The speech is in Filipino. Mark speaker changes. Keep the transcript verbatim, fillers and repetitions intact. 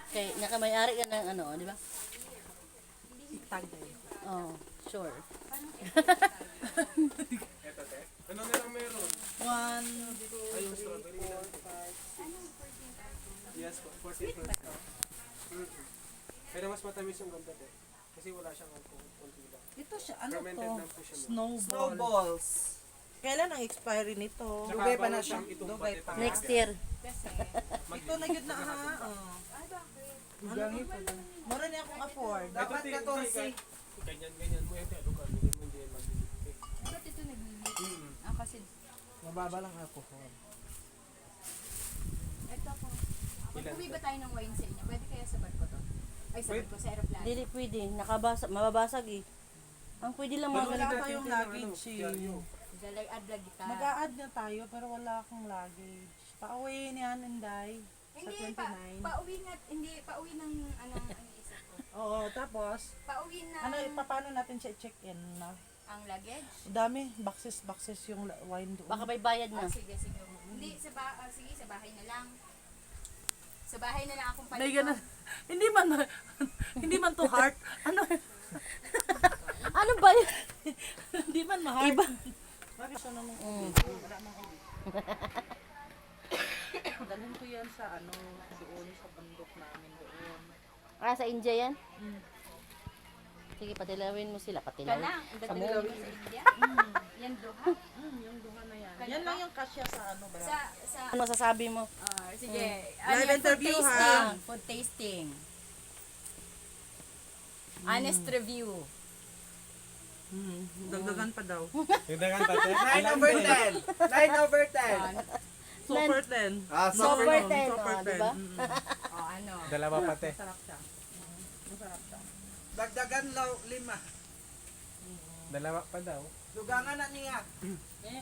Speaker 1: Kay nakamayari ka ng ano, di ba?
Speaker 2: Tagay.
Speaker 1: Oh, sure.
Speaker 3: Eto, te. Ano na lang meron?
Speaker 2: One,
Speaker 3: Ayun, strawberry na. Yes, po, fourteen percent. Mm. Pero mas matamis yung ganda, te. Kasi wala siyang alcohol. Konti lang.
Speaker 2: ito siya, ano
Speaker 3: Fermented
Speaker 2: to?
Speaker 3: lang po siya. ma'am.
Speaker 2: Snowball.
Speaker 4: Snowballs.
Speaker 2: Kailan ang expiry nito?
Speaker 3: Tsaka
Speaker 4: Dugay pa
Speaker 3: bago
Speaker 4: na siya.
Speaker 3: siyang itumbat,
Speaker 4: Dugay
Speaker 3: eh,
Speaker 4: pa.
Speaker 3: pang-
Speaker 1: Next year.
Speaker 2: Ito na yun na ha. Oh.
Speaker 4: Gangi pa ba?
Speaker 2: Mura niya akong afford.
Speaker 4: Dapat
Speaker 3: Ito, te,
Speaker 4: katorse.
Speaker 3: hindi, kahit Ganyan, ganyan mo. Ito, ano ka? Hindi mo hindi yan magbibigay.
Speaker 5: Ba't ito naglilit?
Speaker 3: Mm.
Speaker 5: Ah, kasi
Speaker 4: Mababa lang alcohol.
Speaker 5: ito po.
Speaker 3: Ilan
Speaker 5: Mag-uwi
Speaker 3: to?
Speaker 5: ba tayo ng wine sa inyo? Pwede kaya sa barko to? Ay, sa
Speaker 3: Pwede.
Speaker 5: barko, sa aeroplano.
Speaker 1: Dili pwede, nakabasa, mababasag eh. Ang pwede lang mga
Speaker 3: Pero
Speaker 2: wala
Speaker 1: ganito.
Speaker 3: natin
Speaker 2: tayong
Speaker 3: yung ano,
Speaker 2: luggage eh.
Speaker 3: diaryo.
Speaker 5: Dalag adlag kita.
Speaker 2: Mag-a-add na tayo pero wala akong luggage. Pa-away niyan, Inday. Sa
Speaker 5: Hindi, pa,
Speaker 2: twenty-nine.
Speaker 5: pauwi nga, hindi, pauwi ng, ano, ano isip ko.
Speaker 2: Oo, tapos,
Speaker 5: Pauwi na
Speaker 2: ano, pa- paano natin siya check-in na?
Speaker 5: ang luggage.
Speaker 2: Dami, boxes, boxes yung la- wine doon.
Speaker 1: Baka may bayad
Speaker 5: Ah,
Speaker 1: na.
Speaker 5: sige, sige. Hindi, sa ba, ah, sige, sa bahay na lang. Sa bahay na lang akong
Speaker 2: May
Speaker 5: palito.
Speaker 2: ganun. Hindi man, hindi man to heart. Ano,
Speaker 1: Ano ba yun?
Speaker 2: hindi man ma-heart.
Speaker 1: Iba.
Speaker 2: Bakit siya namang
Speaker 1: Mm.
Speaker 2: wala mang ulit. Dalhin ko yan sa ano, doon sa bundok namin doon.
Speaker 1: Ah, sa India yan?
Speaker 2: Mm.
Speaker 1: Sige, patilawin mo sila.
Speaker 5: Ka
Speaker 1: Patilawin.
Speaker 5: lang, ang
Speaker 1: Sa
Speaker 5: dating
Speaker 1: mo.
Speaker 5: sa India. Yan duha.
Speaker 2: Mm, yung duha na yan.
Speaker 5: Kaya
Speaker 2: Yan
Speaker 5: ba?
Speaker 2: lang yung kasya sa ano ba?
Speaker 5: Sa, sa,
Speaker 1: Ano masasabi mo?
Speaker 5: ah, sige.
Speaker 2: Live
Speaker 5: Ano yan,
Speaker 2: interview,
Speaker 5: food
Speaker 2: ha?
Speaker 5: tasting. Food tasting. Honest review.
Speaker 2: Mm, dagdagan pa daw.
Speaker 3: Tindagan pa, te.
Speaker 4: nine over ten. nine over ten.
Speaker 2: Super ten.
Speaker 4: Ah,
Speaker 1: Super
Speaker 4: super.
Speaker 1: ten,
Speaker 2: Super
Speaker 1: oh,
Speaker 2: ten.
Speaker 1: diba?
Speaker 2: Mm,
Speaker 5: O ano.
Speaker 3: Dalawa pa, te.
Speaker 2: Masarap siya. Mm, Masarap siya.
Speaker 4: Dagdagan law lima.
Speaker 3: Dalawa pa daw.
Speaker 4: Dugangan na niya.